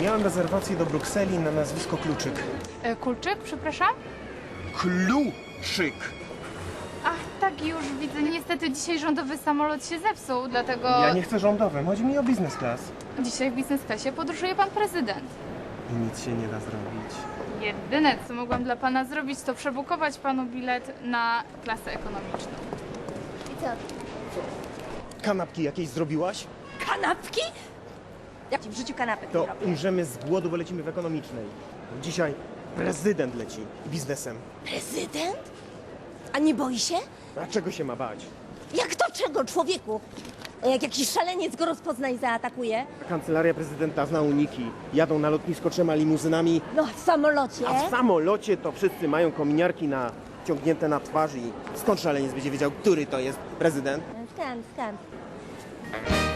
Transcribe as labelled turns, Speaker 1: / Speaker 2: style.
Speaker 1: Miałem rezerwację do Brukseli na nazwisko Kluczyk.
Speaker 2: Kulczyk, przepraszam?
Speaker 1: Kluczyk!
Speaker 2: Ach, tak, już widzę. Niestety dzisiaj rządowy samolot się zepsuł, dlatego
Speaker 1: Ja nie chcę rządowym, chodzi mi o biznes class.
Speaker 2: dzisiaj w biznes classie podróżuje pan prezydent.
Speaker 1: I nic się nie da zrobić.
Speaker 2: Jedyne, co mogłam dla pana zrobić, to przebukować panu bilet na klasę ekonomiczną.
Speaker 3: I co?
Speaker 1: Kanapki jakieś zrobiłaś?
Speaker 3: Kanapki? Jak ci w życiu kanapek nie
Speaker 1: To
Speaker 3: robię?
Speaker 1: umrzemy z głodu, bo lecimy w ekonomicznej. Dzisiaj prezydent leci biznesem.
Speaker 3: Prezydent? A nie boi się?
Speaker 1: A czego się ma bać?
Speaker 3: Jak to czego, człowieku? Jak jakiś szaleniec go rozpozna i zaatakuje?
Speaker 1: Kancelaria prezydenta zna uniki. Jadą na lotnisko 3 limuzynami,
Speaker 3: No, w samolocie.
Speaker 1: a w samolocie to wszyscy mają kominiarki ciągnięte na twarz i skąd szaleniec będzie wiedział, który to jest prezydent?
Speaker 3: Skąd?